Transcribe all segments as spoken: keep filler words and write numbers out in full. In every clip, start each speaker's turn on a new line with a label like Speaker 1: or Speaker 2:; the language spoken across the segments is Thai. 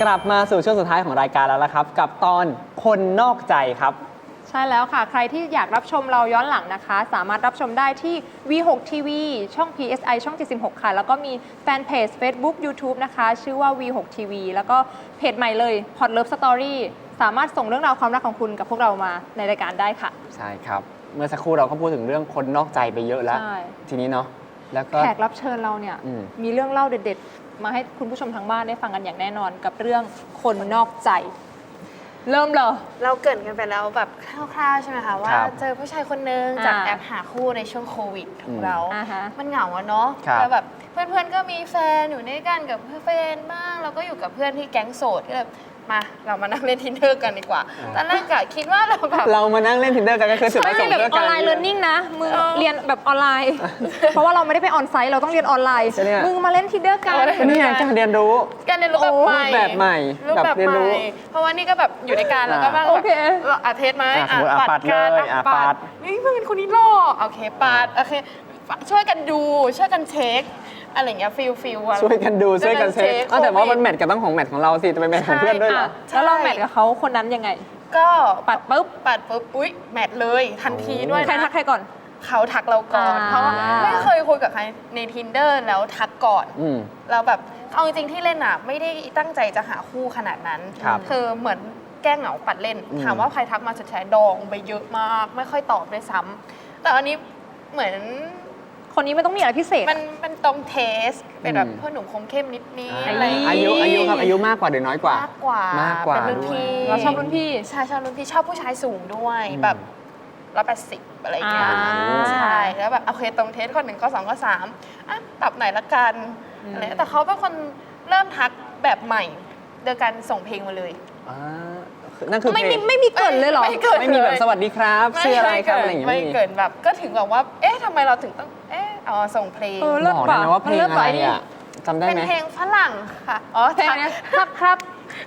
Speaker 1: กลับมาสู่ช่วงสุดท้ายของรายการแล้วละครับกับตอนคนนอกใจครับ
Speaker 2: ใช่แล้วค่ะใครที่อยากรับชมเราย้อนหลังนะคะสามารถรับชมได้ที่ วี หก ที วี ช่อง พี เอส ไอ ช่อง เจ็ดสิบหก ค่ะแล้วก็มีแฟนเพจ Facebook YouTube นะคะชื่อว่า วี หก ที วี แล้วก็เพจใหม่เลย Hot Love Story สามารถส่งเรื่องราวความรักของคุณกับพวกเรามาในรายการได้ค่ะ
Speaker 1: ใช่ครับเมื่อสักครู่เราก็พูดถึงเรื่องคนนอกใจไปเยอะแล้วทีนี้เนาะแล้วก็
Speaker 2: แขกรับเชิญเราเนี่ยมมีเรื่องเล่าเด็ดๆมาให้คุณผู้ชมทางบ้านได้ฟังกันอย่างแน่นอนกับเรื่องคนนอกใจเริ่มเลย
Speaker 3: เราเกริ่นกันไปแล้วแบบคร่าวๆใช่ไหมคะว่าเจอผู้ชายคนนึงจากแอปหาคู่ในช่วงโควิดของเรา มันเหงาอะเนาะแล้วแบบเพื่อนๆก็มีแฟนอยู่ด้วยกันกับเพื่อนบ้างเราก็อยู่กับเพื่อนที่แก๊งโสดก็แบบมาเรามานั่งเล่น Tinder กันดีกว่าตอนแรกกะคิดว่าเราแบบ
Speaker 1: เรามานั่งเล่น Tinder กันก็คือจุดประสงค์เดียวกัน
Speaker 2: ออนไลน์เรียนนิ่งนะมึงเรียนแบบออนไลน์เพราะว่าเราไม่ได้ไปออนไซต์เราต้องเรียนออนไลน์มึงมาเล่น Tinder กัน
Speaker 1: นี่ไงการเรียนรู้
Speaker 3: การเรียนรู้แบบใหม่
Speaker 1: แบบใหม่
Speaker 3: แบบเรียนรู้เพราะว่านี่ก็แบบอยู่ในการแล้วก็แบบอาเทสไหม
Speaker 1: ปัดเลยปัด
Speaker 3: นี่เพื่อนคนนี้หล่อโอเคปัดโอเคช่วยกันดูช่วยกันเช็คอะไรเงี้ยฟิลฟิล
Speaker 1: ช่วยกันดูช่วยกันเช็คแต่ว่ามันแมทกับต้องของแมทของเราสิจะไปแมทของเพื่อนด้วยเหรอ
Speaker 2: แล้วเราแมทกับเขาคนนั้นยังไง
Speaker 3: ก็
Speaker 2: ปัดปุ๊บ
Speaker 3: ปัดปุ๊บอุ๊ยแมทเลยทันทีด้วย
Speaker 2: ใครทักใครก่อน
Speaker 3: เขาทักเราก่อนเพราะว่าไม่เคยคุยกับใครใน Tinder แล้วทักก่อนเราแบบเอาจริงๆที่เล่นอ่ะไม่ได้ตั้งใจจะหาคู่ขนาดนั้นคือเหมือนแก้เหงาปัดเล่นถามว่าใครทักมาสุดท้ายดองไปเยอะมากไม่ค่อยตอบด้วยซ้ำแต่อันนี้เหมือน
Speaker 2: คนนี้ไม่ต้องมีอะไรพิเศษ
Speaker 3: มันเป็นตรงเทสเป็นแบบพ่อหนุ่มคมเข้มนิดนี้อะไร
Speaker 1: อายุอายุครับอายุมากกว่าหรือน้อยกว่าม
Speaker 3: ากกว่าม
Speaker 1: ากกว่า
Speaker 3: เป็นรุ่นพี่
Speaker 2: เราชอบรุ่นพี่
Speaker 3: ใช่ชอบรุ่นพี่ชอบผู้ชายสูงด้วยแบบร้อยแปดสิบอะไรอย่างเงี้ยใช่แล้วแบบโอเคตรงเทสข้อหนึ่งข้อสองข้อสามอ่ะตอบไหนละกันอะไรแต่เขาเป็นคนเริ่มทักแบบใหม่โดยการส่งเพลงมาเลย
Speaker 1: นั่นคือ
Speaker 2: ไม่มีไม่มีเกินเลยหรอ
Speaker 1: ไม่มีแบบสวัสดีครับชื่ออะไรครับอะไรอย่างเงี้ย
Speaker 3: ไม่เกินแบบก็ถึงแบบว่าเอ๊ะทำไมเราถึงต้องเอ๊ะอ๋อส่งเพลง
Speaker 1: บอกได้ไหมว่าเพลงอะไรอ่ะจำได้ไหม
Speaker 3: เป็นเพลงฝรั่งค่ะอ๋อ
Speaker 2: เพลงนี้ครับครับ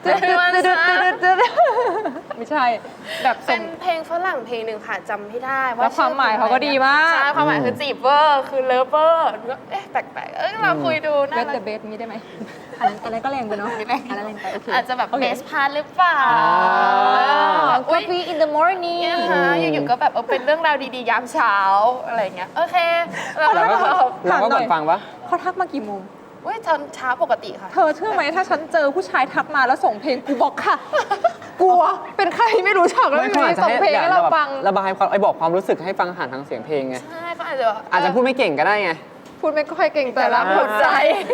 Speaker 2: ไม่ใช่แบบ
Speaker 3: เป็นเพลงฝรั่งเพลงหนึ่งค่ะจำไม่ได้
Speaker 2: ว่าความหมายเขาก็ดีมาก
Speaker 3: ใช่ความหมายคือจีบเวอร์คือเลิฟเวอร์เอ๊ะแปลกๆเอ้ยเราคุยดู
Speaker 2: นะเบสแต่เบสมีได้ไหมอันนั้นอันนั้นก็แรงไปเนาะอันนั้นแรงไป
Speaker 3: อาจจะแบบเบสพาร์ทหรือเปล่า
Speaker 2: Coffee in the morning
Speaker 3: อยู่ๆก็แบบเป็นเรื่องราวดีๆยามเช้าอะไรเงี้ยโอเค
Speaker 1: เราก็เราก็กดฟังปะ
Speaker 2: เขาทักมากี่โมง
Speaker 3: เว้ยตอนเช้าปกติค่ะ
Speaker 2: เธอเชื่อไหมถ้าฉันเจอผู้ชายทักมาแล้วส่งเพลงกูบอกค่ะกลัวเป็นใครไม่รู้จักแล้วมีส่งเพลงให้เราฟัง
Speaker 1: ระบายความไอ้บอกความรู้สึกให้ฟังผ่านทางเสียงเพลงไง
Speaker 3: ใช่เขาอาจจะ
Speaker 1: อาจจะพูดไม่เก่งก็ได้ไง
Speaker 2: พูดไม่ค่อยเก่งแต่รับหัวใจ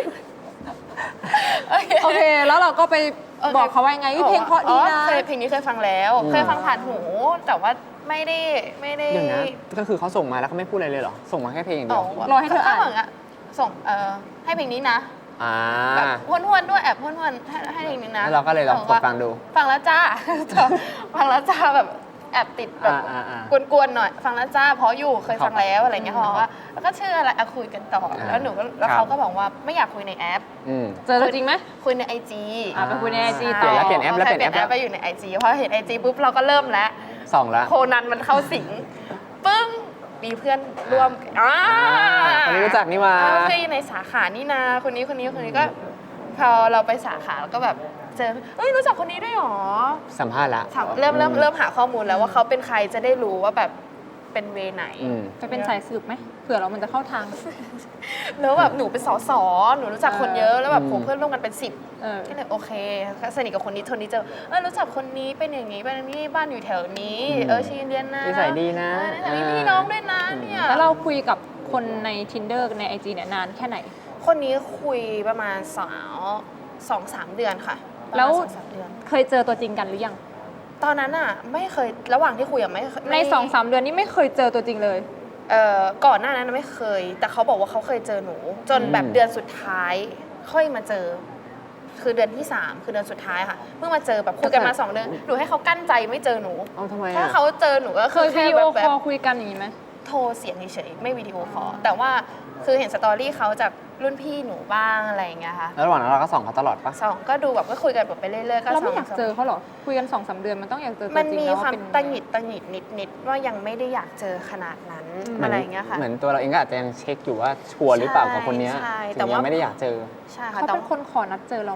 Speaker 2: โอเคแล้วเราก็ไปบอกเขาว่าไงเพลงเพราะดีนะ
Speaker 3: เคยเพลงนี้เคยฟังแล้วเคยฟังผ่านหูแต่ว่าไม่ได้ไม่ได้
Speaker 1: เดี๋ยวนะก็คือเขาส่งมาแล้วเขาไม่พูดอะไรเลยเหรอส่งมาแค่เพลงอย่างเดียว
Speaker 2: รอให้เธออ่าน
Speaker 3: ส่งเอ่อให้เพลงนี้นะแบบห้วนๆด้วยแอบห้วนๆให้ให้เพลงนี้นะ
Speaker 1: เราก็เลยลองกดฟังดู
Speaker 3: ฟังแล้วจ้าฟังแล้วจ้าแบบแอบติดแบบกวนๆหน่อยฟังแล้วจ้าเพราะอยู่เคยฟังแล้วอะไรเงี้ยเขาบอกว่าแล้วก็ชื่ออะไรคุยกันต่อแล้วหนูแล้วเขาก็บอกว่าไม่อยากคุยในแอป
Speaker 2: เจอจริงไหม
Speaker 3: คุยในไอจี
Speaker 2: ไปคุยในไอจี
Speaker 1: ต่อแล้วเปลี่ยนแอปแล้วเปลี่ยนแอป
Speaker 3: ไปอยู่ในไอจีเพราะเห็นไอจีปุ๊บเราก็เริ่มแล้ว
Speaker 1: สองแล้ว
Speaker 3: โคนันมันเข้าสิงปึ้งมีเพื่อนร่วมอ่า
Speaker 1: คนนี้รู้จักนี่มา
Speaker 3: เพื่อนในสาขานี่นาคนนี้คนนี้คนนี้ก็พอเราไปสาขาแล้วก็แบบเจอเอ้ยรู้จักคนนี้ด้วยหรอ
Speaker 1: สัมภาษณ์ละ
Speaker 3: เริ่มเริ่มเริ่มหาข้อมูลแล้วว่าเขาเป็นใครจะได้รู้ว่าแบบเป็นเวไหน
Speaker 2: จะเป็นสายสืบไหมเผื่อเรามันจะเข้าทาง
Speaker 3: แล้วแบบหนูเป็นสสหนูรู้จักคนเยอะแล้วแบบผมเพื่อนร่วมกันเป็นสิบก็เลยโอเคสนิทกับคนนี้ทนนี้เจอเออรู้จักคนนี้เป็นอย่างนี้เป็นนี้บ้านอยู่แถวนี้เออชีเรียนนะ
Speaker 1: นิสัยดีนะ
Speaker 3: มีพี่น้องด้วยนะเนี่ย
Speaker 2: แล้วเราคุยกับคนใน Tinder ใน ไอ จี เนี่ยนานแค่ไหน
Speaker 3: คนนี้คุยประมาณสาวสองสามเดือนค่ะ
Speaker 2: แล้วเคยเจอตัวจริงกันหรือยัง
Speaker 3: ตอนนั้นอ่ะไม่เคยระหว่างที่คุยอ่ะไม่
Speaker 2: ในสองสามเดือนนี้ไม่เคยเจอตัวจริงเลย
Speaker 3: เอ่อก่อนหน้านั้นไม่เคยแต่เขาบอกว่าเขาเคยเจอหนูจนแบบเดือนสุดท้ายค่อยมาเจอคือเดือนที่สามคือเดือนสุดท้ายค่ะเพิ่งมาเจอแบบคุยกันมาสองเดือนหนูให้เขากั้นใจไม่เจอหนูถ้าเขาเจอหนูก็
Speaker 2: เคยวิดีโอคอลคุยกันอย่างนี้ไหม
Speaker 3: โทรเสียงเฉยๆไม่วิดีโอคอลแต่ว่าคือเห็นสตอรี่เขาจากรุ่นพี่หนูบ้างอะไรอย่างเงี้ยค่ะ
Speaker 1: แล้วระหว่างนั้นเราก็ส่องเขาตลอดปะ
Speaker 3: ส่องก็ดูแบบก็คุยกันแบบไปเรื่อยๆก็
Speaker 2: เราไม่อยากเจอเขาหรอคุยกันสองสามเดือนมันต้องอยากเจอ
Speaker 3: มันมีความตังหิดตังหิดนิดๆว่ายังไม่ได้อยากเจอขนาดนั้นอะไรอย่างเงี้ยค่ะ
Speaker 1: เหมือนตัวเราเองก็อาจจะยังเช็คอยู่ว่าชัวร์หรือเปล่ากับคนนี้ถึงยังไม่ได้อยากเจอ
Speaker 2: ใช่ค่ะเขาเป็นคนขอนัดเจอเราไหม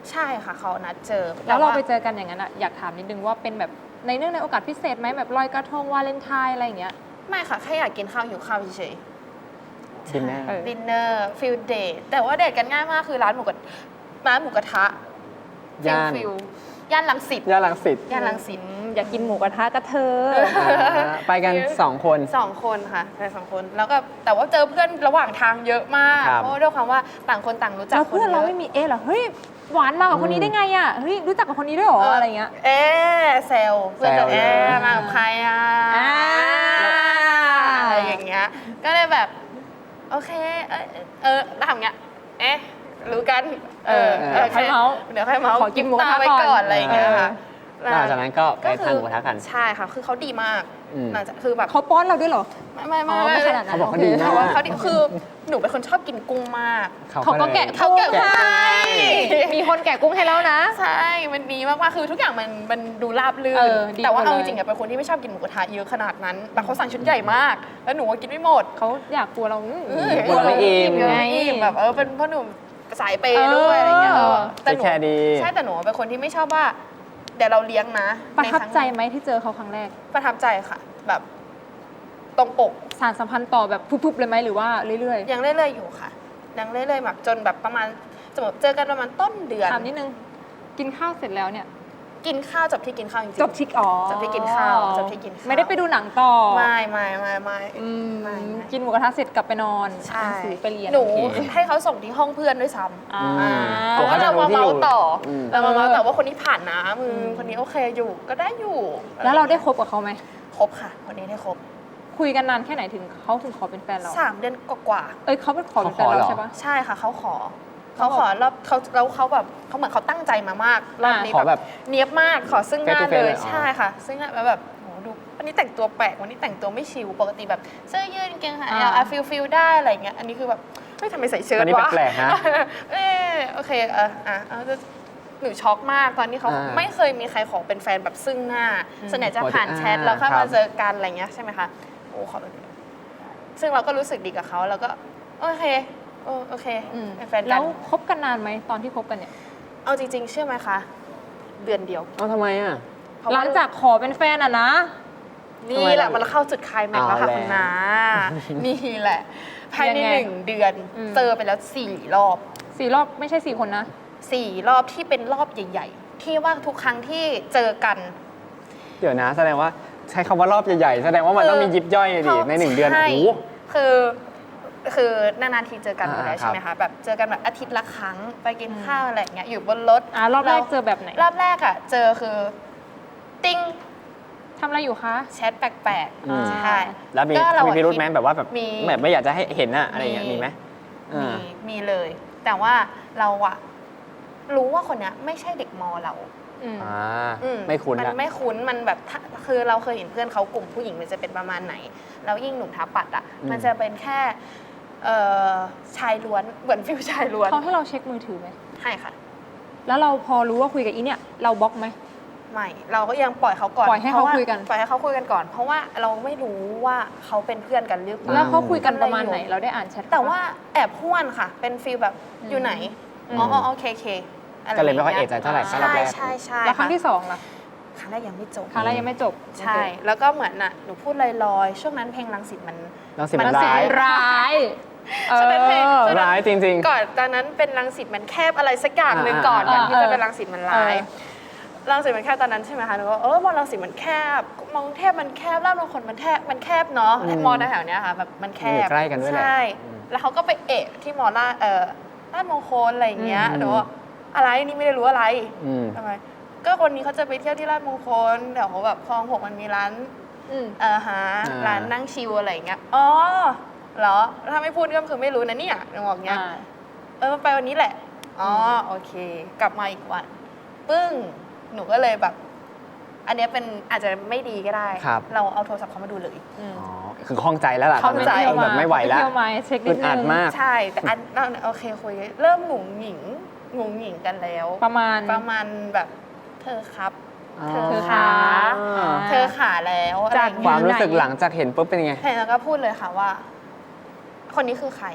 Speaker 3: ใช่ค่ะเขานัดเจอ
Speaker 2: แล้วเราไปเจอกันอย่างนั้นอะอยากถามนิดนึงว่าเป็นแบบในเนื่องในโอกาสพิเศษไหมแบบลอยกระทงวาเลนไทน์อะไรอย่างเงี้ย
Speaker 3: ไม่ค่ะแค่อยากกินข้าวหิวข้าวเฉย
Speaker 1: ดินเนอร์
Speaker 2: เออ
Speaker 3: ๆดินเนอร์ฟิลเดทแต่ว่าเดทกันง่ายมากคือร้านหมูกระร้านหมูกระทะ
Speaker 1: ย่าน
Speaker 3: ฟิลย่านรังสิต
Speaker 1: ย่านรังสิต
Speaker 3: ย่านรังสิต
Speaker 2: อืมอยากกินหมูกระทะกระเธอ
Speaker 1: อ่าไปกันสองคน
Speaker 3: สองคนค่ะไปสองคนแล้วก็แต่ว่าเจอเพื่อนระหว่างทางเยอะมาก
Speaker 1: ครับ
Speaker 3: เพราะว่าด้วยความว่าต่างคนต่างรู้จัก
Speaker 2: แล้ว
Speaker 3: คน
Speaker 2: เพื่อนเรา
Speaker 3: เย
Speaker 2: ไม่
Speaker 3: อะ
Speaker 2: มีเอ๊ะเหรอเฮ้ยหวานมากับคนนี้ได้ไงอ่ะเฮ้ยรู้จักกับคนนี้ด้วยเหรออะไรเงี้ย
Speaker 3: เอ๊ะเซลเพื่อนจะ
Speaker 1: แซวเลย
Speaker 3: เอ๊ะมากับใครอ่ะ
Speaker 2: อ่า
Speaker 3: อะไรอย่างเงี้ยก็เลยแบบโอเคเออเออแล้วทำอย่างเงี้ยเอ๊ะรู้กันเออ
Speaker 2: เออค่อยเมาส์
Speaker 3: เดี๋ยวค่อยเมาส์
Speaker 2: ขอกินหมูกระทะ
Speaker 3: ไว้
Speaker 2: ก่
Speaker 3: ก่
Speaker 2: อ
Speaker 3: อน นอะไรอย่างเงี้ยค่ะ
Speaker 1: หลังจากนั้นก็ไปทานหมูกระทะกัน
Speaker 3: ใช่ค่ะคือเขาดีมาก
Speaker 1: อืม
Speaker 3: หลังจากคือแบบ
Speaker 2: เขาป้อนเราด้วยเหรอ
Speaker 3: ไม่ไม่
Speaker 2: อ๋
Speaker 3: ไม่
Speaker 2: อไม่ขนาดนั้น
Speaker 1: เขาบอกเขาดี
Speaker 2: โค
Speaker 1: มาก
Speaker 3: เขาว่าเขาดีคือหนูเป็นคนชอบกินกุ้งมาก
Speaker 2: เขาก็แกะ
Speaker 3: เขาแกะ
Speaker 2: กุ้งให้ มีคนแกะกุ้งให้แล้วนะ
Speaker 3: ใช่มันดีมากๆคือทุกอย่างมันมันดูราบรื่
Speaker 2: เอน อดี
Speaker 3: แต่ว่า
Speaker 2: หมด
Speaker 3: เอา
Speaker 2: เลย
Speaker 3: จริงๆอะเป็นคนที่ไม่ชอบกินหมูกระทะเยอะขนาดนั้นแต่เขาสั่งชุดใหญ่มาก แล้วหนูก็กินไม่หมด
Speaker 2: เขาอยากกลัวเราอืม
Speaker 3: เออ
Speaker 1: กลัวเราไม่อิ่ม
Speaker 3: กลัวเราไม่อิ่มแบบเออเป็นเพราะหนูสายเปย์ด้วยอะไรเงี้ยเออแต่หนู
Speaker 1: แค่ดี
Speaker 3: ใช่แต่หนูเป็นคนที่ไม่ชอบว่าเดี๋ยวเราเลี้ยงนะ
Speaker 2: ประทับใจ
Speaker 3: นคง
Speaker 2: ไหมที่เจอเขาครั้งแรก
Speaker 3: ประทับใจค่ะ แบบตรงปก
Speaker 2: สารสัมพันธ์ต่อแบบพุบๆเลยไหมหรือว่าเรื่อย
Speaker 3: ยังเรื่อยๆอยู่ค่ะยังเรื่อยๆแบบจนแบบประมาณสมมติเจอกันประมาณต้นเดือน
Speaker 2: ๆถามนิดนึง กินข้าวเสร็จแล้วเนี่ย
Speaker 3: กินข้าวจบที่กินข้าวจริงๆ
Speaker 2: จบที่อ๋อ
Speaker 3: จบที่กินข้าวจบที่กินข้าว
Speaker 2: ไม่ได้ไปดูหนังต่อ
Speaker 3: ไม่ไม่ไม่ไม่
Speaker 2: อืม
Speaker 3: ไม่ไม่
Speaker 2: กินหมูกระทะเสร็จกลับไปนอน
Speaker 3: ใช่
Speaker 2: อ่านหนังสือไปเรียน
Speaker 3: หนู
Speaker 2: โอเค
Speaker 3: ให้เขาส่งที่ห้องเพื่อนด้วยซ้ำ
Speaker 2: อ่า
Speaker 1: อืม
Speaker 3: เพราะว่าเรามาเมาส์ต่ออ
Speaker 1: ม
Speaker 3: เรามาเมาส์
Speaker 2: เออ
Speaker 3: ต่อว่าคนนี้ผ่านนะมึง
Speaker 2: อืม
Speaker 3: คนนี้โอเคอยู่ก็ได้อยู่
Speaker 2: แล้วเราได้คบกับเขาไหม
Speaker 3: คบค่ะคนนี้ได้คบ
Speaker 2: คุยกันนานแค่ไหนถึงเขาถึงขอเป็นแฟนเรา
Speaker 3: สามเดือนกว่า
Speaker 2: เอ้ยเขาเป็นขอเป็นแฟน
Speaker 1: เขาขอเหร
Speaker 2: เรา
Speaker 1: อ
Speaker 2: ใช่ปะ
Speaker 3: ๆใช่ค่ะเขาขอเขาขอแล้วเขาแล้วเขาแบบเขาเหมือนเขาตั้งใจมามากรอบนี้
Speaker 1: ขอแบบ
Speaker 3: เนียบมากขอซึ่งหน้า
Speaker 1: face to face
Speaker 3: เล
Speaker 1: เลย ยอ๋อ
Speaker 3: ใช่ค่ะ ซึ่งหน้าแล้วแบบโหดูวันนี้แต่งตัวแปลกวันนี้แต่งตัวไม่ชิลปกติแบบเสื้อยืดกางเกงขายาวอ่ะฟิลฟิลได้อะไรอย่างเงี้ยอันนี้คือแบบเฮ้ยทำไมใส่เชิ้ต
Speaker 1: อันนี้
Speaker 3: วะ
Speaker 1: แปลกๆนะ
Speaker 3: เออโอเคเอออ่ะเอาจะหนูช็อกมากตอนนี้เขา
Speaker 1: อ่า
Speaker 3: ไม่เคยมีใครขอเป็นแฟนแบบซึ่งหน้า
Speaker 2: อืม
Speaker 3: ส่วนใหญ่จะผ่าน
Speaker 1: อ่า
Speaker 3: แชทแล้วค่อย
Speaker 1: ครั
Speaker 3: มา
Speaker 1: บ
Speaker 3: เจอกันอะไรเงี้ยใช่ไหมคะโอ้ขอเป็นซึ่งเราก็รู้สึกดีกับเขาแล้วก็โอเคโอโอเค
Speaker 2: อืม
Speaker 3: เป็นแฟนกั
Speaker 2: แล้
Speaker 3: น
Speaker 2: วคบกันนานไหมตอนที่คบกันเนี่ย
Speaker 3: เอาจริง ๆ เชื่อไหมคะ เดือนเดียว
Speaker 1: เอาทำไมอ่ะ
Speaker 3: เพระ
Speaker 2: ห
Speaker 3: ว่
Speaker 2: ลังจากขอเป็นแฟนอ่ะนะ
Speaker 3: นี่แหละมันเข้าจุดคลายแม็กซ์แล้วค่ะ
Speaker 1: เอาแล้ว
Speaker 3: คุณนานี่แหละภายใน
Speaker 2: ยังไง
Speaker 3: หนึ่งเดือน
Speaker 2: อืม
Speaker 3: เจอไปแล้วสี่รอบ
Speaker 2: สี่รอบไม่ใช่สี่คนนะ
Speaker 3: สี่รอบที่เป็นรอบใหญ่ ๆ ที่ว่าทุกครั้งที่เจอกัน
Speaker 1: เดี๋ยวนะแสดงว่าใช้คำว่ารอบใหญ่ๆ แสดงว่ามันต้องมียิบย่อยดิในหนึ่งเดือน
Speaker 3: ใช่
Speaker 1: โอ้โห
Speaker 3: คือคือนานๆทีเจอกันอยู่
Speaker 1: อ่า
Speaker 3: แล้ว
Speaker 1: ครับ
Speaker 3: ใช่ไหมคะแบบเจอกันแบบอาทิตย์ละครั้งไปกินข้าวอะไรอย่างเงี้ยอยู่บนรถ
Speaker 2: อ่ารอบแรก
Speaker 3: ล้ว
Speaker 2: เจอแบบไหน
Speaker 3: รอบแรกอ่ะเจอคือ ติ้ง
Speaker 2: ทำอะไรอยู่คะ
Speaker 3: แชทแปลก
Speaker 1: อืม
Speaker 3: ๆใช่
Speaker 1: แล้วมี
Speaker 3: ก็เรา
Speaker 1: มี
Speaker 3: อะ
Speaker 1: พิรุธไหม
Speaker 3: คิด
Speaker 1: แบบว่าแบบ
Speaker 3: มี
Speaker 1: แบบไม่อยากจะให้เห็นอะอะไรอย่างเงี้ยมีไหม
Speaker 3: มี
Speaker 1: อ่า
Speaker 3: มีเลย แต่ว่าเราอะรู้ว่าคนเนี้ยไม่ใช่เด็กมอเรา
Speaker 2: อืม
Speaker 1: อ่า
Speaker 3: อื
Speaker 1: ไม่คุ้น
Speaker 3: มั
Speaker 1: ละ
Speaker 3: นไม่คุ้นมันแบบถ้าคือเราเคยเห็นเพื่อนเขากลุ่มผู้หญิงมันจะเป็นประมาณไหน แล้วยิ่งหนุ่มท้าปัดอะมันจะเป็นแค่เอ่อชายล้วนเหมือนฟิวชายล้วน
Speaker 2: เขาให้เราเช็คมือถือไหม
Speaker 3: ให้ค่ะ
Speaker 2: แล้วเราพอรู้ว่าคุยกับอีเนี่ย เราบล็อกไหม
Speaker 3: ไม่เราก็ยังปล่อยเขาก่อน
Speaker 2: ปล่อยให้เขา
Speaker 3: พระว่
Speaker 2: คุยกัน
Speaker 3: ปล่อยให้เขาคุยกันก่อน เพราะว่าเราไม่รู้ว่าเขาเป็นเพื่อนกันหรือเป
Speaker 2: แล้
Speaker 3: ล่า
Speaker 2: วเขาคุยกันประมาณไหน เราได้อ่านแชทเข
Speaker 3: แต่ว่าแอบห้วนค่ะ เป็นฟีลแบบ
Speaker 2: อืม
Speaker 3: อยู่ไหน
Speaker 2: อืม
Speaker 3: อ๋ออ๋อโอเคโอเคอะไร
Speaker 1: ก็เลยไม่ค่อย
Speaker 3: าง
Speaker 1: เอะ
Speaker 3: งี้
Speaker 1: ใจเท่าไหร่
Speaker 3: ใช่
Speaker 1: รอบแรก
Speaker 3: ใช่ใช่
Speaker 2: แล้วครั้ง
Speaker 3: ะ
Speaker 2: ที่สองล่ะ
Speaker 3: ครั้งแรกยังไม่จบ
Speaker 2: ครั้งแรกยังไม่จบ
Speaker 3: ใช่ แล้วก็เหมือนน่ะหนูพูดลอยๆ ช่วงนั้นเพลงรังสิตมัน
Speaker 1: รังสิต
Speaker 3: มั
Speaker 1: มัน
Speaker 3: น
Speaker 1: ร้าย
Speaker 2: ร้ายเอ
Speaker 3: ช่วงนั้นเพลง
Speaker 2: อ
Speaker 3: ช่วงนั้น
Speaker 1: ร้ายจริงๆ
Speaker 3: ก่อนตอนนั้นเป็นรังสิตมันแคบอะไรสักอย่างหนึ่ง
Speaker 1: อ่า
Speaker 3: ก่อน
Speaker 2: อ่า
Speaker 3: ก่อนที่
Speaker 2: อ่า
Speaker 3: จะเป็นรังสิตมันร้าย
Speaker 2: เออ
Speaker 3: รังสิตมันแคบตอนนั้นใช่ไหมคะหนูก็เออมอรังสิตมันแคบมองเทพมันแคบลาดมงคลมันแคบมันแคบเนาะ
Speaker 1: อืม
Speaker 3: มอแถวๆเนี้ยค่ะแบบมันแค
Speaker 1: อยู่
Speaker 3: บ
Speaker 1: ใกล้กันด้วยแหละ
Speaker 3: ใช่
Speaker 1: อืม
Speaker 3: แล้วเขาก็ไปเอะที่มอลาดเอ่อลาดมงคลอะไรอย่างเงี้ย
Speaker 1: อืม
Speaker 3: หนูว่าอะไรนี่ไม่ได้รู้อะไร
Speaker 1: อืม
Speaker 3: ทำไมก็คนนี้เขาจะไปเที่ยวที่ลาดมงคลแถวแบบคลองหกมันมีร้าน
Speaker 2: อืม
Speaker 3: เออฮะ
Speaker 1: อ่า
Speaker 3: ร้านนั่งชิลอะไรอย่างเงี้ยอ๋อเหรอถ้าไม่พูดก็คือไม่รู้นะเนี่ยหนูบอกเงี้ย
Speaker 2: อ่า
Speaker 3: เออไปวันนี้แหละอ๋อโอเค กลับมาอีกวันปึ้งหนูก็เลยแบบ อันเนี้ยเป็นอาจจะไม่ดีก็ได้
Speaker 1: ครับ
Speaker 3: เราเอาโทรศัพท์เขามาดูเลย
Speaker 2: อืม
Speaker 1: อ๋อคือข้องใจแล้วล่ะ
Speaker 3: ข้องใจ
Speaker 1: ตนนั้นแบบไม่ไหวแล้ว
Speaker 2: เที่ยวมาเช็คนิ
Speaker 1: อึ
Speaker 2: ด
Speaker 1: ด
Speaker 2: นึ
Speaker 1: อัด
Speaker 2: ง
Speaker 1: มาก
Speaker 3: ใช่แต่อันนั่นโอเคคุยเริ่มหงุงหงิงหงุงหงิงกันแล้ว
Speaker 2: ประมาณ
Speaker 3: ประมาณแบบเธอครับ
Speaker 1: อ๋อ
Speaker 3: เธอขา
Speaker 2: อ่า
Speaker 3: เธอขาแล้วอะไรอย่ง
Speaker 1: ค
Speaker 3: เงี้
Speaker 1: วาย มรู้สึกหลังจากเห็นปุ๊บเป็นยังไง
Speaker 3: เห็นแล้วก็พูดเลยค่ะว่า คนนี้คือใคร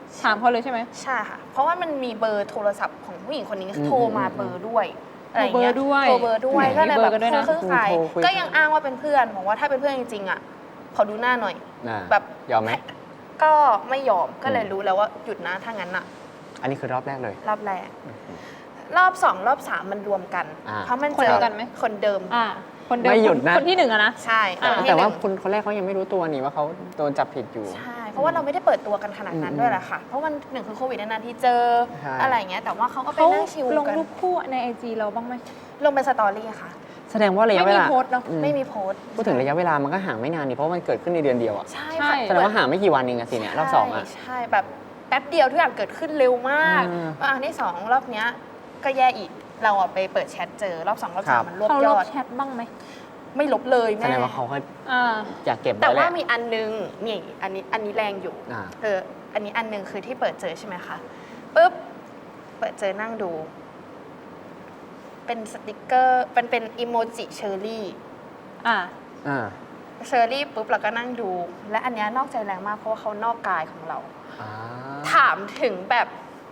Speaker 2: ถามเขาเลยใช่ไหม
Speaker 3: ใช่ค่ะเพราะว่ามันมีเบอร์โทรศัพท์ของผู้หญิงคนนี้โทรมาเบอร์ด้วยอะไรอย่างเงี้ย
Speaker 2: โทรเบอร์ด้วย
Speaker 3: โทรเบอร์ด้วยก็เลยแบบ
Speaker 2: มีเบอร์กันด้วยนะ
Speaker 3: คือใครก็ยังอ้างว่าเป็นเพื่อนบอกว่าถ้าเป็นเพื่อนจริงๆอ่ะขอดูหน้าหน่อยแบบ
Speaker 1: ยอมไหม
Speaker 3: ก็ไม่ยอมก็เลยรู้แล้วว่าหยุดนะถ้างั้นอ่ะ
Speaker 1: อันนี้คือรอบแรกเลย
Speaker 3: รอบแรกรอบสองรอบสามมันรวมกันเพราะมันเจอคนเดิม
Speaker 2: คนเดิม
Speaker 1: ไม่หยุดนะ
Speaker 2: คนที่หนึ่งอะนะ
Speaker 3: ใช่
Speaker 1: แต่ว่าคนคนแรกเขายังไม่รู้ตัวนี่ว่าเขาโดนจับผิดอยู่
Speaker 3: ใช่เพราะว่าเราไม่ได้เปิดตัวกันขนาดนั้นด้วยแหละค่ะเพราะมันหนึ่งคือโควิดนานๆที่เจออะไรเงี้ยแต่ว่าเขาก็ไปนั่งชิลกัน
Speaker 2: ลงรูปคู่ในไอจีเราบ้างไหม
Speaker 3: ลงเป็นสตอรี่ค่ะ
Speaker 1: แสดงว่าระยะเวลา
Speaker 2: ไม่มีโพสต์เนาะ
Speaker 3: ไม่มีโพสต์
Speaker 1: พูดถึงระยะเวลามันก็ห่างไม่นานนี่เพราะมันเกิดขึ้นในเดือนเดียวอ่ะ
Speaker 3: ใช่
Speaker 1: แสดงว่าห่างไม่กี่วันเองอะสิเนี่ยรอบสองอะ
Speaker 3: ใช่แบบแป๊บเดียวทุกอย่างเกิดขึ้นเร็วมากอันที่สองรอบเนี้ยก็แย่อีกเราอะไปเปิดแชทเจอรอบสองรอบสามมันรวบยอด
Speaker 2: เขาลบแชทบ้างไหม
Speaker 3: ไม่ลบเลยแม่
Speaker 1: แสดงว่าเขาอยากเก็บไว้
Speaker 3: แต่ว่ามีอันนึงนี่อันนี้อันนี้แรงอยู่เอออันนี้อันนึงคือที่เปิดเจอใช่ไหมคะปุ๊บเปิดเจอนั่งดูเป็นสติกเกอร์เป็นเป็นอีโมจิเชอร์รี่
Speaker 2: อ่า
Speaker 1: อ่า
Speaker 3: เชอร์รี่ปุ๊บเราก็นั่งดูและอันนี้นอกใจแรงมากเพราะว่าเขานอกกายของเราถามถึงแบบ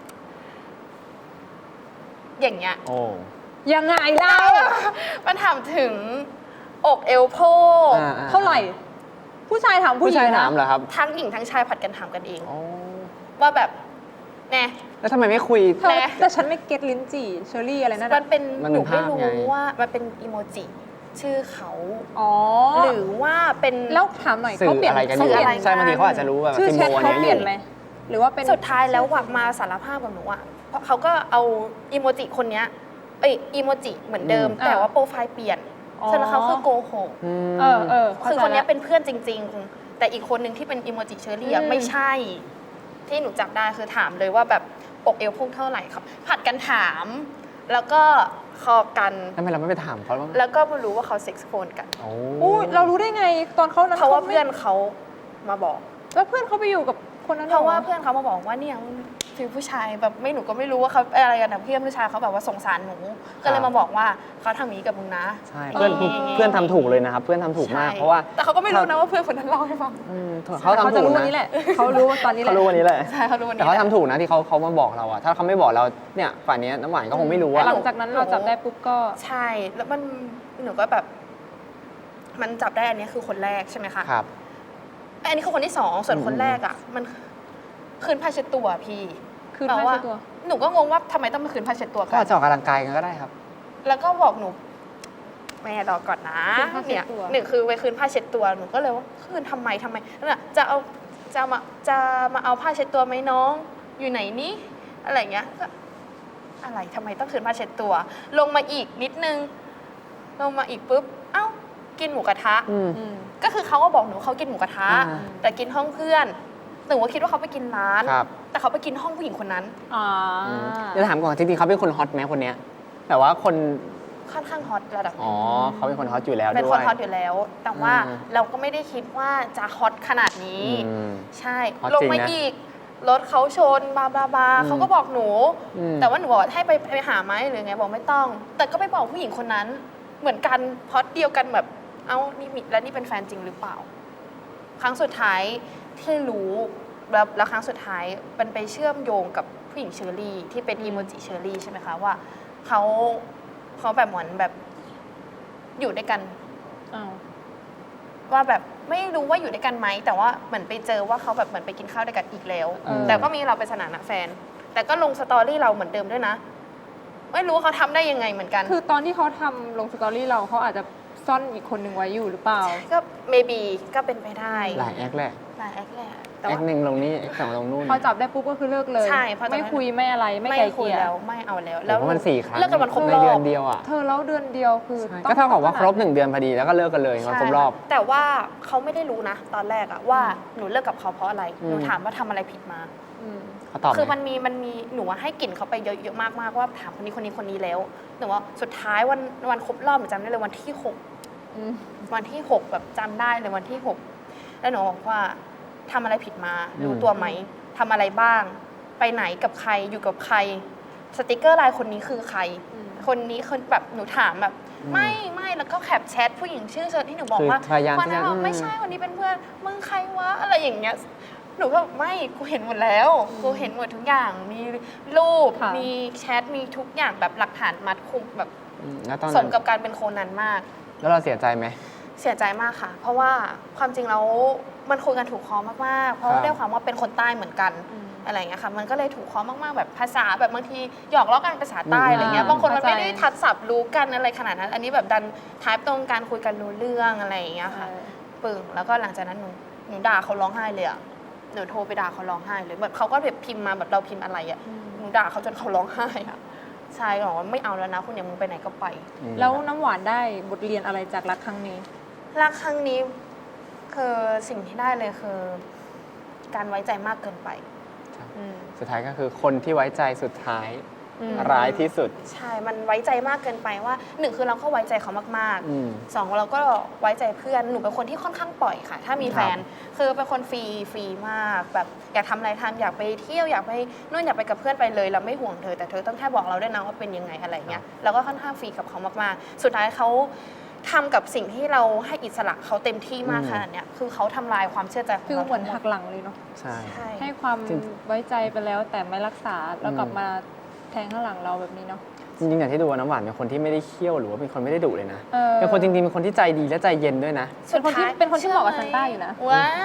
Speaker 3: อย่างเงี้ย
Speaker 1: โอ้
Speaker 2: ยังไงเล่า
Speaker 3: มันถามถึงอกเอวโพก
Speaker 2: เท่าไหร่ผู้ชายถามผู้หญิง
Speaker 1: ผู้ชายถามเหรอครับ
Speaker 3: ทั้งหญิงทั้งชายผัดกันถามกันเองว่าแบบแน่
Speaker 1: แล้วทำไมไม่คุย
Speaker 2: แต่ฉันไม่เก็ตลิ้นจี่เชอรี่อะไรนั่น
Speaker 3: มันเป็นหนูไม่รู้ว่ามันเป็นอีโมจิชื่อเขา
Speaker 2: อ๋อ
Speaker 3: หรือว่าเป็น
Speaker 2: แล้วถามหน่อยเขาเปลี่ยน
Speaker 1: สื่ออะไรใช่บางทีเขาอาจจะรู้แบบ
Speaker 2: ชื่อแชทเขาเปลี่ยนไหมหรือว่าเป็น
Speaker 3: สุดท้ายแล้ววักมาสารภาพกับหนูอ่ะเพราะเขาก็เอาอีโมจิคนเนี้ยเอ้ยอีโมจิเหมือนเดิมแต่ว่าโปรไฟล์เปลี่ยนแสดงเขาคือโกหก
Speaker 2: เออเออ
Speaker 3: คือคนนี้เป็นเพื่อนจริงๆแต่อีกคนหนึ่งที่เป็นอีโมจิเชอรี่ไม่ใช่ที่หนูจับได้คือถามเลยว่าแบบอกเอวพุ่งเท่าไหร่ครับผัดกันถามแล้วก็คอกัน
Speaker 1: ทำไมเราไม่ไปถามเขาบ้าง
Speaker 3: แล้วก็มารู้ว่าเขาเซ็กซ์โฟนกัน
Speaker 1: โอ้
Speaker 2: เรารู้ได้ไงตอนเขานั้น
Speaker 3: เพราะว่าเพื่อนเขามาบอก
Speaker 2: แล้วเพื่อนเขาไปอยู่กับคนนั้น
Speaker 3: เพราะว่าเพื่อนเขามาบอกว่าเนี่ยคือผู้ชายแบบไม่หนูก็ไม่รู้ว่าเขาอะไรกันนะเพื่อนผู้ชายเขาแบบว่าสงสารหนูก็เลยมาบอกว่าเขาทำอย่างนี้กับมึงนะ
Speaker 1: ใช่เพื่อนเพื่อนทำถูกเลยนะครับเพื่อนทำถูกมากเพราะว่า
Speaker 3: แต่เขาก็ไม่รู้นะว่าเพื่อนคนนั้นเล่าให้ฟัง
Speaker 1: เขาทำถูกนะ
Speaker 2: นี่แหละเขารู้ว่าตอนนี้
Speaker 1: เขารู้วันนี้แหละ
Speaker 3: ใช่เขารู้วันนี้
Speaker 1: แต่เขาทำถูกนะที่เขาเขามาบอกเราอะถ้าเขาไม่บอกเราเนี่ยฝ่ายนี้น้ำหวานก็คงไม่รู้ว่า
Speaker 2: หลังจากนั้นเราจับได้ปุ๊บก็
Speaker 3: ใช่แล้วมันหนูก็แบบมันจับได้อันนี้คือคนแรกใช่ไหมคะ
Speaker 1: ครับ
Speaker 3: อันนี้คือคนที่สองส่วนคนแรกอ่ะมันคืนผ้าเช็ดตัวพี่
Speaker 2: คืนผ้าเช็ดตัว
Speaker 3: หนูก็งงว่าทำไมต้องมาคืนผ้าเช็ดตัวกัน
Speaker 1: ก็จะออกกำลังกายกันก็ได้ครับ
Speaker 3: แล้วก็บอกหนูแม่รอก่อนนะเนี่ยหนึ่งคือไปคืนผ้าเช็ดตัวหนูก็เลยว่าคืนทำไมทำไมนั่นแหละจะเอาจะมาจะมาเอาผ้าเช็ดตัวไหมน้องอยู่ไหนนี่อะไรเงี้ยก็อะไรทำไมต้องคืนผ้าเช็ดตัวลงมาอีกนิดนึงลงมาอีกปุ๊บเอ้ากินหมูกระทะก็คือเขาก็บอกหนูเขากินหมูกระทะแต่กินห้องเพื่อนหนูก็คิดว่าเขาไปกินร้านแต่เขาไปกินห้องผู้หญิงคนนั้น
Speaker 2: อ๋อ
Speaker 1: จะถามก่อนจริงๆเขาเป็นคนฮอตไหมคนเนี้ยแต่ว่าคน
Speaker 3: ค่อนข้างฮอตระดับ
Speaker 1: อ๋อเขาเป็นคนฮอตอยู่แล้วด้วย
Speaker 3: เป็นคนฮอตอยู่แล้วแต่ว่าเราก็ไม่ได้คิดว่าจะฮอตขนาดนี้ใช่ลงมาอีกรถเขาชนบาบาบาเขาก็บอกหนูแต่ว่าหนูบอกให้ไปไปหาไหมหรือไงบอกไม่ต้องแต่ก็ไปบอกผู้หญิงคนนั้นเหมือนกันฮอตเดียวกันแบบเอ้านี่มีแล้วนี่เป็นแฟนจริงหรือเปล่าครั้งสุดท้ายที่รู้แล้วแล้วครั้งสุดท้ายมันไปเชื่อมโยงกับผู้หญิงเชอรี่ที่เป็นอีโมจิเชอรี่ใช่ไหมคะว่าเขาเขาแบบเหมือนแบบอยู่ด้วยกันว่าแบบไม่รู้ว่าอยู่ด้วยกันไหมแต่ว่าเหมือนไปเจอว่าเขาแบบเหมือนไปกินข้าวด้วยกันอีกแล้วแต่ก็มีเราเป็นสถานะแฟนแต่ก็ลงสตอรี่เราเหมือนเดิมด้วยนะไม่รู้เขาทำได้ยังไงเหมือนกัน
Speaker 2: คือตอนที่เขาทำลงสตอรี่เราเขาอาจจะซ่อนอีกคนหนึ่งไว้อยู่หรือเปล่า
Speaker 3: ก็ maybe ก็เป็นไปได้
Speaker 1: หลายแอคแหละ
Speaker 3: หลายแอคแหละ
Speaker 1: แอคหนึ่งลงนี้แอคสองลงนู่น
Speaker 2: พอจับได้ปุ๊บก็คือเลิกเลย
Speaker 3: ใช่
Speaker 2: ไม่คุยไม่อะไรไม่ไกลเกลี่ย
Speaker 3: แล้วไม่เอาแล้ว
Speaker 1: แล้วมันสี่ครั้ง
Speaker 3: เลิกกันวันครบรอบ
Speaker 1: ในเดือนเดียวอ่ะ
Speaker 2: เธอแล้วเดือนเดียวคือ
Speaker 1: ก็เท่ากับว่าครบหนึ่งเดือนพอดีแล้วก็เลิกกันเลยวันครบรอบ
Speaker 3: แต่ว่าเขาไม่ได้รู้นะตอนแรกอะว่าหนูเลิกกับเขาเพราะอะไรหนูถามว่าทำอะไรผิดมา
Speaker 1: เขาตอบ
Speaker 3: คือมันมีมันมีหนูให้กลิ่นเขาไปเยอะๆมากๆว่าถามคนนี้คนนี้คนนี้แล้วหนูว่าสุดท้ายวันวันครบรอบหนูจำได้เลยวันที่หกวันที่หกแบบจำได้เลยวันที่หกแล้วหนูบอกว่าทำอะไรผิดมารู้ตัวไหมทำอะไรบ้างไปไหนกับใครอยู่กับใครสติกเกอร์ไลน์คนนี้คือใครคนนี้คนแบบหนูถามแบบไม่ไม่แล้วก็แคปแชทผู้หญิงชื่อเชิญที่หนูบอกว่า
Speaker 1: คนนั้น
Speaker 3: ไม่ใช่คนนี้เป็นเพื่อนมึงใครวะอะไรอย่างเงี้ยหนูก็ไม่กูเห็นหมดแล้วกูเห็นหมดทุกอย่างมีรูป
Speaker 2: ค่ะ
Speaker 3: มีแชทมีทุกอย่างแบบหลักฐานมัดคุมแบบ
Speaker 1: อืมแล้วตอน
Speaker 3: ส
Speaker 1: นั้
Speaker 3: ม
Speaker 1: น
Speaker 3: กับการเป็นโคนันมาก
Speaker 1: แล้วเราเสียใจไหม
Speaker 3: เสียใจมากค่ะ เพราะว่าความจริงแล้วมันคุยกันถูกคอมากๆ เพราะ
Speaker 1: ครั
Speaker 3: ว่า
Speaker 1: บ
Speaker 3: ด้วยความว่าเป็นคนใต้เหมือนกัน
Speaker 2: อืม
Speaker 3: อะไรอย่างเงี้ยค่ะ มันก็เลยถูกคอมากๆ แบบภาษาแบบบางทีหยอกล้อกันภาษาใต้
Speaker 1: อืม
Speaker 3: อะไรเงี้ย บางคนมัน
Speaker 2: เข้าใจ
Speaker 3: ไม่ได้ทัดศัพท์รู้กันอะไรขนาดนั้น อันนี้แบบดันทายตรงการคุยกันรู้เรื่องอะไรอย่างเงี้ยค่ะ ปึ่งแล้วก็หลังจากนั้นหนูหนูด่าเขาร้องไห้เลยอะหนูโทรไปด่าเขาร้องไห้เลยแบบเขาก็แบบพิมพ์มาแบบเราพิมพ์อะไรอะ
Speaker 2: อืม
Speaker 3: หนูด่าเขาจนเขาร้องไห้อะใช่ก็บอกว่าไม่เอาแล้วนะคุณอย่ามึงไปไหนก็ไป
Speaker 1: อืม
Speaker 2: แล้วน้ำหวานได้บทเรียนอะไรจากรักครั้งนี้
Speaker 3: รักครั้งนี้คือสิ่งที่ได้เลยคือ การไว้ใจมากเกินไป
Speaker 2: อืม
Speaker 1: สุดท้ายก็คือคนที่ไว้ใจสุดท้าย
Speaker 2: อืม
Speaker 1: ร้ายที่สุด
Speaker 3: ใช่ มันไว้ใจมากเกินไปว่าหนึ่งคือเราก็ไว้ใจเขามาก
Speaker 1: อืม
Speaker 3: ๆสองเราก็ไว้ใจเพื่อนหนูเป็นคนที่ค่อนข้างปล่อยค่ะ ถ้ามีแฟน คือเป็นคนฟรีฟรีมากแบบอยากทำอะไรทำอยากไปเที่ยวอยากไปนู่นอยากไปกับเพื่อนไปเลยเราไม่ห่วงเธอแต่เธอต้องแค่บอกเราได้วยนะว่าเป็นยังไงอะไรเงี้ยเราก็ค่อนข้างฟรีกับเขามากๆ สุดท้ายเขาทำกับสิ่งที่เราให้อิสระเขาเต็มที่มาก
Speaker 1: อืม
Speaker 3: ขนาดเนี้ยคือเขาทำลายความเชื่อใจของ
Speaker 2: คือ
Speaker 3: เรา
Speaker 2: เหมือน
Speaker 3: ทั้ง
Speaker 2: หักหลังเลยเนาะ
Speaker 1: ใช่
Speaker 3: ใช่
Speaker 2: ให้ความ
Speaker 1: จริง
Speaker 2: ไว้ใจไปแล้วแต่ไม่รักษาแล้วกลับ
Speaker 1: อืม
Speaker 2: มาแทงข้างหลังเราแบบนี้เนาะ
Speaker 1: จริงๆอย่างที่ดูว่าน้ำหวานเป็นคนที่ไม่ได้เคี่ยวหรือว่าเป็นคนไม่ได้ดุเลยนะ
Speaker 2: เออ
Speaker 1: เป็นคนจริงๆเป็นคนที่ใจดีและใจเย็นด้วยนะ
Speaker 2: เป็นคนที่เป็นคนที่เหมาะกับซันต้าอยู่นะ
Speaker 3: ว้าย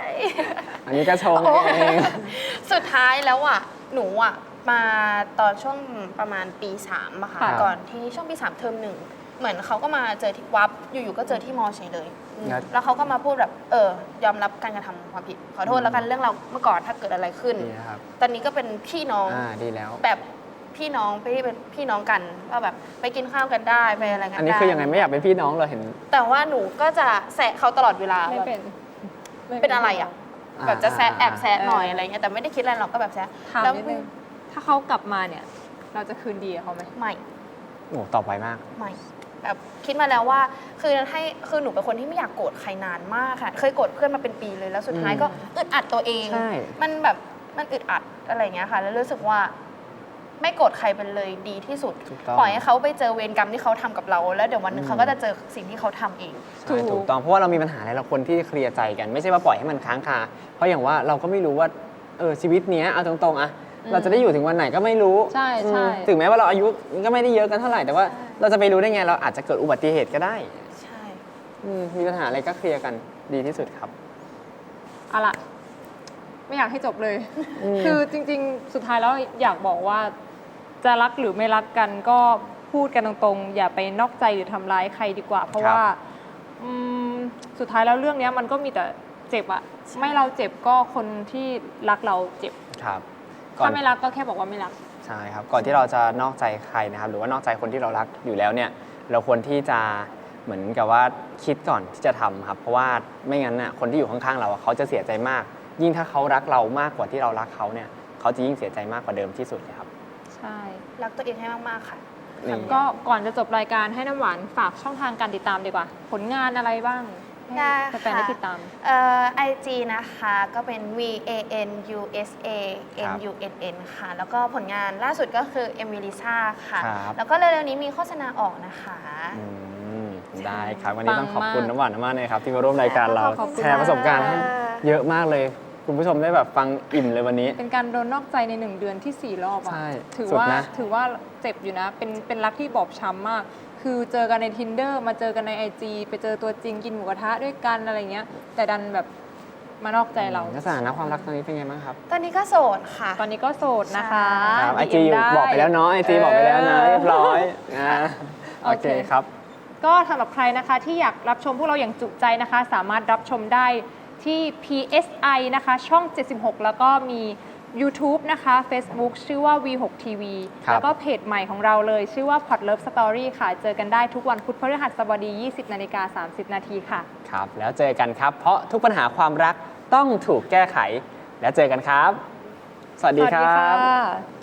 Speaker 1: อันนี้ก็ชงเอง
Speaker 3: สุดท้ายแล้วอ่ะหนูอ่ะมาตอนช่วงประมาณปีสามอะค่ะ
Speaker 2: ค่ะ
Speaker 3: ก่อนที่ช่วงปีสามเทอมหนึ่งเหมือนเขาก็มาเจอที่วับอยู่ๆก็เจอที่มอเฉยเลยอืม
Speaker 1: ครับ
Speaker 3: แล้วเขาก็มาพูดแบบเออยอมรับการกระทำความผิดขอโทษแล้วกันเรื่องเราเมื่อก่อนถ้าเกิดอะไรขึ้น
Speaker 1: ดีนะครับ
Speaker 3: ตอนนี้ก็เป็นพี่น้อง
Speaker 1: อ่าดีแล้ว
Speaker 3: แบบพี่น้องไปเป็นพี่น้องกันว่าแบบไปกินข้าวกันได้ไปอะไรกันได้
Speaker 1: อันนี้คือยังไงไม่อยากเป็นพี่น้องเลยเห็น
Speaker 3: แต่ว่าหนูก็จะแซะเขาตลอดเวลา
Speaker 2: ไม่
Speaker 3: แบบ
Speaker 2: เป็นม่
Speaker 3: เป็นอะไรอ่ะ
Speaker 1: อ่า
Speaker 3: แบบจะแซะแอบแซะหน่อย
Speaker 2: เอออ
Speaker 3: อะไรเงี้ยแต่ไม่ได้คิดอะไรหรอกก็แบบแซะ
Speaker 2: ถาม
Speaker 3: แล้ว
Speaker 2: นิดนึงถ้าเขากลับมาเนี่ย เราจะคืนดีกับเขาไหม
Speaker 3: ไม่
Speaker 1: โอ้ตอบไวมาก
Speaker 3: ไม่แบบคิดมาแล้วว่าคือให้คือหนูเป็นคนที่ไม่อยากโกรธใครนานมากค่ะเคยโกรธเพื่อนมาเป็นปีเลยแล้วสุดท้าย
Speaker 1: อืม
Speaker 3: ก็อึดอัดตัวเอง
Speaker 1: ใช่
Speaker 3: มันแบบมันอึดอัดอะไรเงี้ยค่ะ แล้วรู้สึกว่าไม่โกรธใครเป็นเลยดีที่สุด
Speaker 1: ถูกต้อง
Speaker 3: ปล่อยให้เขาไปเจอเวรกรรมที่เขาทำกับเรา แล้วเดี๋ยววันหนึง
Speaker 1: อืม
Speaker 3: เขาก็จะเจอสิ่งที่เขาทำเอง
Speaker 1: ใช่ถูกต้องเพราะว่าเรามีปัญหาอะไรเราควรที่เคลียร์ใจกัน ไม่ใช่ว่าปล่อยให้มันค้างคาเพราะอย่างว่าเราก็ไม่รู้ว่าเออชีวิตเนี้ยเอาตรงๆอะเราจะได้อยู่ถึงวันไหนก็ไม่รู้
Speaker 2: ใช่ใช่
Speaker 1: อืมถึงแม้ว่าเราอายุก็ไม่ได้เยอะกันเท่าไหร่แต่ว่า
Speaker 3: ใช่
Speaker 1: เราจะไปรู้ได้ไงเราอาจจะเกิดอุบัติเหตุก็ได้
Speaker 3: ใช่
Speaker 1: อืมมีปัญหาอะไรก็เคลียร์กันดีที่สุดครับ
Speaker 2: เอาล่ะ ไม่อยากให้จบเลย
Speaker 1: อืม
Speaker 2: คือจริงๆ สุดท้ายแล้วอยากบอกว่า จะรักหรือไม่รักกันก็พูดกันตรงๆ อย่าไปนอกใจหรือทำร้ายใครดีกว่า เพราะว่าอืมสุดท้ายแล้วเรื่องเนี้ยมันก็มีแต่เจ็บอะไม่เราเจ็บก็คนที่รักเราเจ็บ
Speaker 1: ครับก่อน
Speaker 2: ถ้าไม่รักก็แค่บอกว่าไม่รัก
Speaker 1: ใช่ครับก่อนที่เราจะนอกใจใครนะครับหรือว่านอกใจคนที่เรารักอยู่แล้วเนี่ยเราควรที่จะเหมือนกับว่าคิดก่อนที่จะทำครับเพราะว่าไม่งั้นน่ะคนที่อยู่ข้างๆเราอะเขาจะเสียใจมาก ยิ่งถ้าเขารักเรามากกว่าที่เรารักเขาเนี่ยเขาจะยิ่งเสียใจมากกว่าเดิมที่สุดเลยครับ
Speaker 2: ใช่
Speaker 3: รักตัวเองให้มากๆค่ะ
Speaker 1: นี่
Speaker 2: ก็ก่อนจะจบรายการให้น้ำหวานฝากช่องทางการติดตามดีกว่า ผลงานอะไรบ้าง
Speaker 3: ได้
Speaker 2: ให้แฟนๆได้ติดตาม
Speaker 3: เอ่อไอจีนะคะก็เป็น V A N U S A M U N N ค่ะ แล้วก็ผลงานล่าสุดก็คือ e m i l i s a ค่ะ
Speaker 1: ครับ
Speaker 3: แล้วก็เร็วๆนี้มีโฆษณาออกนะคะ
Speaker 1: อืมได้ครับวันนี้ต้องขอบคุณ
Speaker 2: ปังมาก
Speaker 1: น้ำหวานมากเลยครับที่มาร่วมรายการเรา
Speaker 2: ขอบคุณ
Speaker 1: แชร์ประสบการณ์ให้
Speaker 3: ค่ะ
Speaker 1: เยอะมากเลย คุณผู้ชมได้แบบฟังอิ่มเลยวันนี้
Speaker 2: เป็นการโดนนอกใจในหนึ่งเดือนที่สี่รอบอะ
Speaker 1: ใช่
Speaker 2: ถือ
Speaker 1: สุด
Speaker 2: ว่า
Speaker 1: นะ
Speaker 2: ถือว่าเจ็บอยู่นะ เป็นเป็นรักที่บอบช้ำมาก คือเจอกันใน Tinder มาเจอกันใน ไอ จี ไปเจอตัวจริงกินหมูกระทะด้วยกันอะไรเงี้ย แต่ดันแบบมานอกใจเรา
Speaker 1: แล้วสถานะความรักตอนนี้เป็นไงบ้างครับ
Speaker 3: ตอนนี้ก็โสดค่ะ
Speaker 2: ตอนนี้ก็โสดนะคะ
Speaker 1: ครับไอ
Speaker 2: ดี
Speaker 1: จี
Speaker 2: เอ็มได้
Speaker 1: บอกไปแล้วเนาะไอจีบอกไปแล้วนะ
Speaker 2: เออ
Speaker 1: เรียบร้อยอ่าโอเค
Speaker 2: โอเค
Speaker 1: ครับ
Speaker 2: ก็สำหรับใครนะคะที่อยากรับชมพวกเราอย่างจุใจนะคะ สามารถรับชมได้ที่ พี เอส ไอ นะคะช่อง เจ็ดสิบหก แล้วก็มี YouTube นะคะ Facebook ชื่อว่า วี หก ที วี
Speaker 1: ครับ
Speaker 2: แล้วก็เพจใหม่ของเราเลยชื่อว่า Pot Love Story ค่ะ เจอกันได้ทุกวันพุธพฤหัสบดี ยี่สิบนาฬิกาสามสิบนาทีค่ะ
Speaker 1: ครับ แล้วเจอกันครับ เพราะทุกปัญหาความรักต้องถูกแก้ไข แล้วเจอกันครับ สวัสดี
Speaker 2: สวัส
Speaker 1: ค
Speaker 2: ดี
Speaker 1: รั
Speaker 2: ค่
Speaker 1: บ
Speaker 2: ะ